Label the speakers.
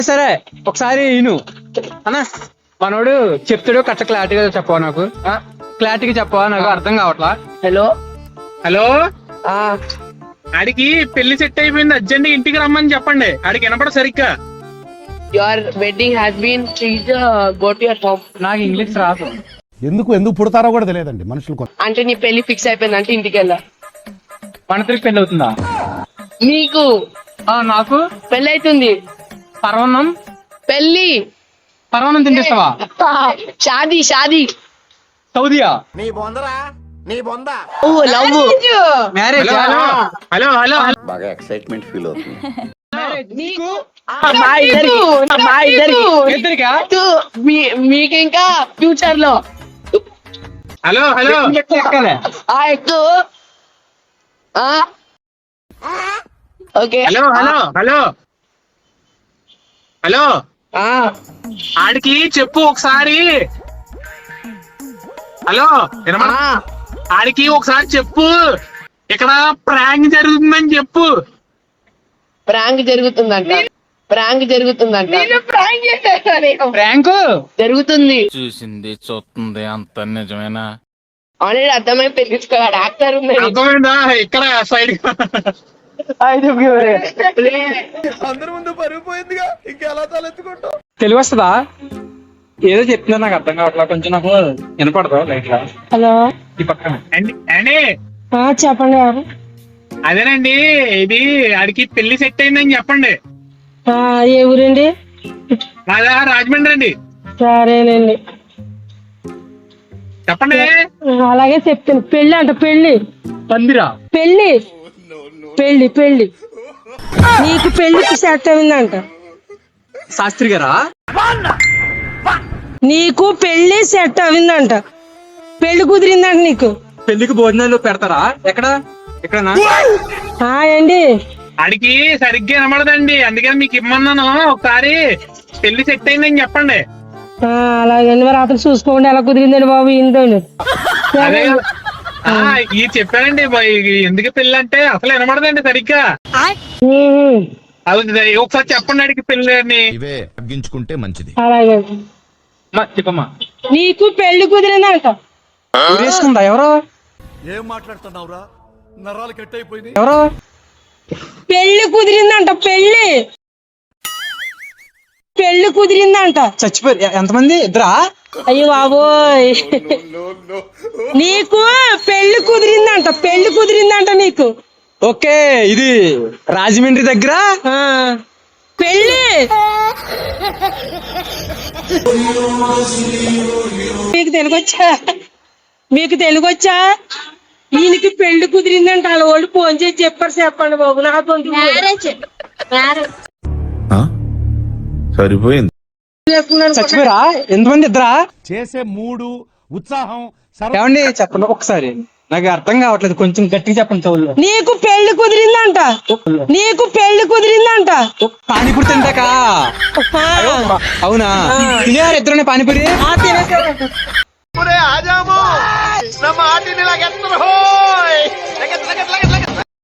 Speaker 1: సరే ఒకసారి ఈను అన్నా మనోడు చెప్తాడు కట్ట క్లారిటీగా చెప్పవా నాకు క్లారిటీగా చెప్పవా నాకు అర్థం కావట్లా.
Speaker 2: హలో
Speaker 3: హలో ఆడికి పెళ్లి సెట్ అయిపోయింది, అర్జెంట్ ఇంటికి రమ్మని చెప్పండి. ఆడికి వినపడ సరిగ్గా.
Speaker 2: Your wedding has been please go to your home.
Speaker 1: నాకు ఇంగ్లీష్ రాదు.
Speaker 4: ఎందుకు పుడతారో కూడా తెలియదండి మనుషులు.
Speaker 2: అంటే నీ పెళ్లి ఫిక్స్ అయిపోయింది అంటే ఇంటికి వెళ్ళా.
Speaker 1: మన తిరిగి పెళ్లి అవుతుందా
Speaker 2: నీకు?
Speaker 1: నాకు
Speaker 2: పెళ్లి అవుతుంది.
Speaker 1: పర్వన్నం
Speaker 2: పెళ్లి
Speaker 1: పర్వన్నం తినిపిస్తావా?
Speaker 2: షాదీ షాదీ
Speaker 1: సౌదీయా?
Speaker 2: ఓ లవ్
Speaker 1: మ్యారేజ్?
Speaker 3: హలో హలో
Speaker 5: బాగా ఎక్సైట్మెంట్ ఫీల్ అవుతుంది.
Speaker 2: మా ఇద్దరికి
Speaker 1: ఇద్దరికా?
Speaker 2: మీకు ఇంకా ఫ్యూచర్ లో
Speaker 3: హలో హలో
Speaker 1: ఎక్కాలే.
Speaker 2: ఎక్కువ okay.
Speaker 3: Hello hello hello hello ఆడికి చెప్పు ఒకసారి. హలో ఆడికి ఒకసారి చెప్పు, ఇక్కడ ప్రాంక్ జరుగుతుందని చెప్పు.
Speaker 2: ప్రాంక్ జరుగుతుందంట.
Speaker 1: ప్రాంక్
Speaker 2: జరుగుతుంది.
Speaker 6: చూసింది చూస్తుంది అంత నిజమేనా?
Speaker 2: ఆల్రెడీ అర్థమై పెళ్లించుకోవాలి. యాక్టర్ ఉంది.
Speaker 3: అర్థమైందా? ఇక్కడ సైడ్
Speaker 1: తెలుగు వస్తుందా? ఏదో చెప్తున్నా నాకు అర్థం కావట్లా, కొంచెం నాకు వినపడదు లైట్ గా.
Speaker 7: హలో
Speaker 1: ఈ పక్కన
Speaker 3: అండి
Speaker 7: చెప్పండి ఎవరు?
Speaker 3: అదేనండి, ఇది ఆడికి పెళ్లి సెట్ అయిందని చెప్పండి.
Speaker 7: ఏ ఊరండి?
Speaker 3: మాదా రాజమండ్రి అండి.
Speaker 7: సరేనండి
Speaker 3: చెప్పండి.
Speaker 7: అలాగే చెప్తాను. పెళ్లి అంట. పెళ్లి
Speaker 1: పందిరా?
Speaker 7: పెళ్లి పెళ్లి పెళ్లి నీకు పెళ్లికి సెట్ అయిందంట.
Speaker 1: శాస్త్రి గారా?
Speaker 7: నీకు పెళ్లి సెట్ అయిందంట. పెళ్లి కుదిరిందంట నీకు.
Speaker 1: పెళ్లికి భోజనాలు పెడతారా? ఎక్కడనా?
Speaker 7: ఏండి
Speaker 3: ఆడికి సరిగ్గా వినబడదండి, అందుకని మీకు ఇమ్మన్నాను. ఒకసారి పెళ్లి సెట్ అయిందని చెప్పండి.
Speaker 7: అలాగండి. మరి అతను చూసుకోండి ఎలా కుదిరిందండి బాబు. ఇంతోండి
Speaker 3: అదే ఇది చెప్పానండి. ఎందుకు పెళ్లి అంటే అసలు వినబడదండి సరిగ్గా. అది ఒకసారి చెప్పండి ఆడికి పెళ్లి అని.
Speaker 5: ఇవే తగ్గించుకుంటే మంచిది.
Speaker 7: అలాగే
Speaker 1: చెప్పమ్మా.
Speaker 7: నీకు పెళ్లి కుదిరిందంట.
Speaker 1: ఊరేసుకుందా? ఎవరు
Speaker 4: ఏం మాట్లాడుతున్నావురా? నరాలు కట్ అయిపోయింది.
Speaker 1: ఎవరు?
Speaker 7: పెళ్లి కుదిరిందంట. పెళ్లి కుదిరిందంట.
Speaker 1: చచ్చిపోయారు. ఎంతమంది? ఇద్దరా?
Speaker 7: అయ్యో బాబోయ్. నీకు పెళ్లి కుదిరిందంట నీకు.
Speaker 1: ఓకే, ఇది రాజమండ్రి దగ్గర
Speaker 7: పెళ్లి. మీకు తెలుగొచ్చా? ఈయనకి పెళ్లి కుదిరిందంట. వాళ్ళ వాళ్ళు ఫోన్ చేసి చెప్పండి బాబు. నాకు
Speaker 5: సరిపోయింది.
Speaker 1: చచ్చిపోయారా? ఎంతమంది? ఇద్దరా?
Speaker 4: చేసే మూడు ఉత్సాహం
Speaker 1: ఏమండి చెప్పండి ఒకసారి, నాకు అర్థం కావట్లేదు, కొంచెం గట్టిగా చెప్పండి చెవుల్లో.
Speaker 7: నీకు పెళ్లి కుదిరిందంట.
Speaker 1: పానీపూరి తింటాకా? అవునా? తినేవారు ఇద్దరునే పానీపూరి?
Speaker 7: తినేసారు.